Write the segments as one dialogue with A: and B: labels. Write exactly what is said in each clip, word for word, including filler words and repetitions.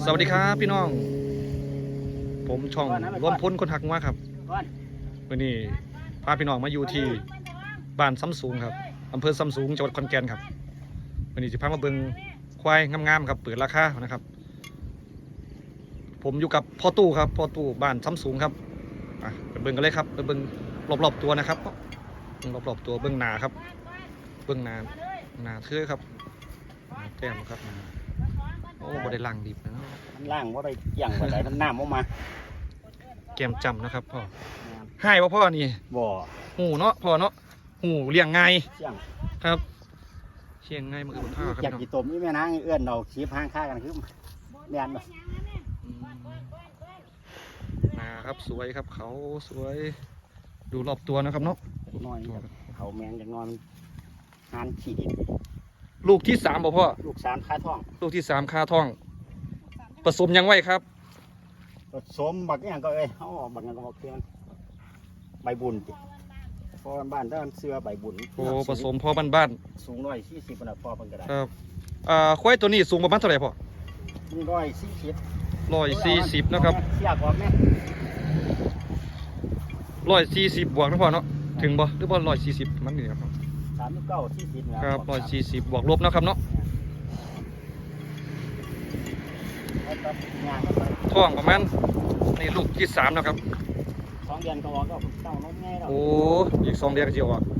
A: สวัสดีครับพี่น้องผมช่องรวมพลคนหักงัวครับวันนี้พาพี่น้องมาอยู่ที่บ้านซ้ำสูงครับอำเภอซ้ำสูงจังหวัดขอนแก่นครับวันนี้จะพามาเบิ่งควายงามๆครับเปิดราคานะครับผมอยู่กับพ่อตู้ครับพ่อตู้บ้านซ้ำสูงครับไปเบิ่งกันเลยครับไปเบิ่งรอบๆตัวนะครับรอบๆตัวเบิ่งหนาครับเบิ่งหนาหนาเทื่อครับแต้มครับโอ้บ่ได้ล่างดิบนะ
B: มันล่างว่าได้ย่างว่าได้มันน้ำออกมา
A: แกมจำนะครับพ่อให้ว่าพ่อนี่
B: บ่
A: หูเนาะพ่อเนาะหูเลี้ยงไง
B: เชี่ยง
A: ครับเชี่ยงไงมือข้าวครับ
B: อยากกี่ตมนี่แม่นางเอื้อนเราชีพห้างค่ากันคือแม่นบ่
A: นะครับสวยครับเขาสวยดูรอบตัวนะครับเนาะ
B: น้อยเขาแมงอย่างนอนหานขี่ดิน
A: ลูกที่สามบ่พ่อ
B: ลูกสามคาท้อง
A: ลูกที่สามคาท้องผสมยังไว้ครับ
B: ผสมบักอย่างก็เอ้ยเขาบักอย่างก็บอกเพื่อนใบบุญพอบ้านด้านเสื้อใบบุญ
A: โอ้ผสมพ่อบ้านบ้าน
B: สูงร้อยสี่สิบนะพ่อเป็นกระดาษ
A: ครับอ่าควายตัวนี้สูงประมาณเท่าไหร่พ่อ
B: นี่ร้อยสี่สิบ
A: ร้อยสี่สิบนะครับ
B: เสียกว่าแม่
A: ร้อยสี่สิบบวกนะพ่อเนาะถึงบ่หรือว่าร้อยสี่สิบมันนี่ครับ
B: สามสิบเก้าสี่สิบ
A: ครับร้อยสี่สิบบวกลบนะครับเนาะท้องประมาณในลูกที่สามนะครับ
B: สองเดือนก็ออกก็เต้านมง่ายแล้ว
A: โอ้อีกสองเดือนก็จะออก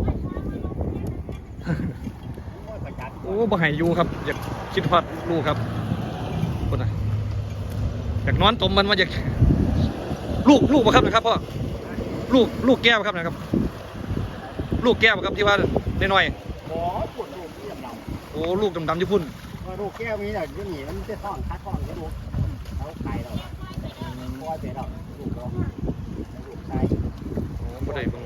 A: โอ้บ่ให้อยู่ครับอยากคิดฮอดลูกครับคนน่ะอยากนอนตมมันว่าอยากลูกลูกบ่ครับนะครับพ่อลูกลูกแก้วครับนะครับลูกแก้วครับที่ว่าน้อย
B: ๆอ๋อปวดลูกที่ดำ
A: ๆโอ้ลูกดำๆญี่ปุ่น
B: ลูกแก้วมีแต่ยุ่งหนีมันจะท้องคัดท้องจะลูกเขาไข่เราเพราะว่าเจ๊เราลูกเราลูกชาย
A: โอ้บ่ได้เบิ่ง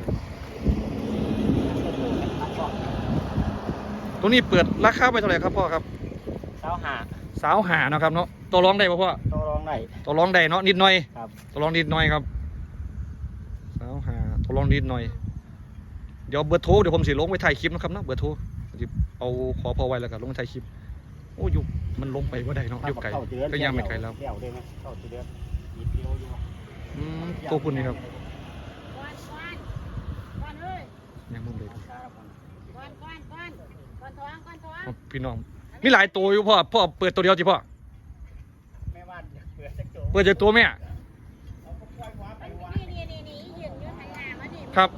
A: ตัวนี้เปิดราคาไปเท่าไหร่ครับพ่อครับ
B: สาวหา
A: สาวหานะครับเนาะตัวร้องได้ป่ะพ่อ
B: ตัวร้องได้
A: ตัวร้องได้เนาะนิดหน่อย
B: ครับ
A: ตัวร้องนิดหน่อยครับสาวหาตัวร้องนิดหน่อยเดี๋ยวเบอร์โทรเดี๋ยวผมสิลงไว้ถ่ายคลิปนะครับเนาะเบอร์โทรเอาขอพอไว้แล้วกันลงถ่ายคลิปโอ้ยุมันลงไปว่าได้เนาะยุไก่ก็ยังไม่ไกลแล้วตัวคุณนี่ครับยังมุ่งเลยพี่น้องมีหลายตัวอยู่พ่อพ่อเปิดตัวเดียวจีพ่อเปิดจากตัวแม่ครับ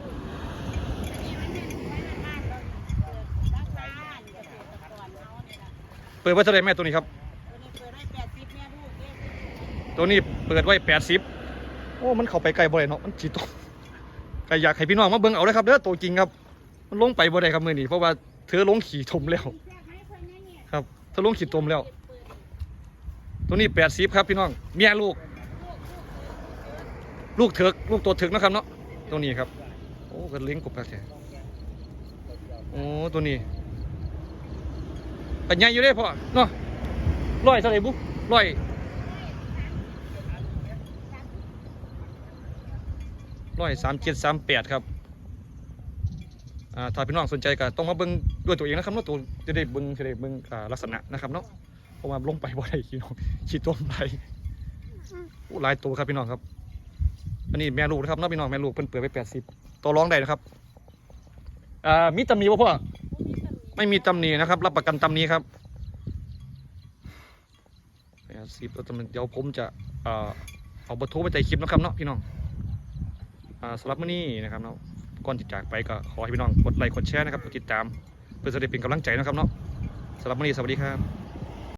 A: เปิดไว้เท่าไรแม่ตัวนี้ครับตัวนี้เปิดไว้แปดสิบโอ้มันเข้าไปไกลบ่ได้เนาะมันจีตกใครอยากให้พี่น้องมาเบิ่งเอาเลยครับเด้อตัวจริงครับมันลงไปบ่ได้ครับมือนี้เพราะว่าเธอลงขี่ทมแล้วครับเธอลงขี่ทมแล้วตัวนี้แปดสิบครับพี่น้องเมียลูกลูกเถิกลูกตัวเถิกนะครับเนาะตัวนี้ครับโอ้ก็เลี้ยงกบแล้วแท้โอ้ตัวนี้ปัญญาอยู่ได้พ่อเนาะร้อยเท่าไหร่บุ๊ร้อยร้อยสามเจ็ดสามแปดครับอ่าถ้าพี่น้องสนใจก็ต้องมาเบิ้งด้วยตัวเองนะครับเนาะตัวจะได้เบิ้งจะได้เบิ้งลักษณะนะครับเนาะเพราะว่าลงไปบ่ได้พี่น้องขี้ต้มไหลหลายตัวครับพี่น้องครับอันนี้แม่ลูกนะครับน้องพี่น้องแม่ลูกเพิ่นเปิดไปแปดสิบตัวร้องได้นะครับอ่ามีตำหนิป่ะพ่อไม่มีตำหนินะครับรับประกันตำหนิครับแปดสิบแล้วเดี๋ยวผมจะเอาเบอร์โทรไปใส่คลิปนะครับเนาะพี่น้องสำหรับมื้อนี้นะครับเนาะก่อนที่จากไปก็ขอให้พี่น้องกดไลค์กดแชร์นะครับกดติดตามเพื่อจะได้เป็นกำลังใจนะครับเนาะสำหรับมื้อนี้สวัสดีครับ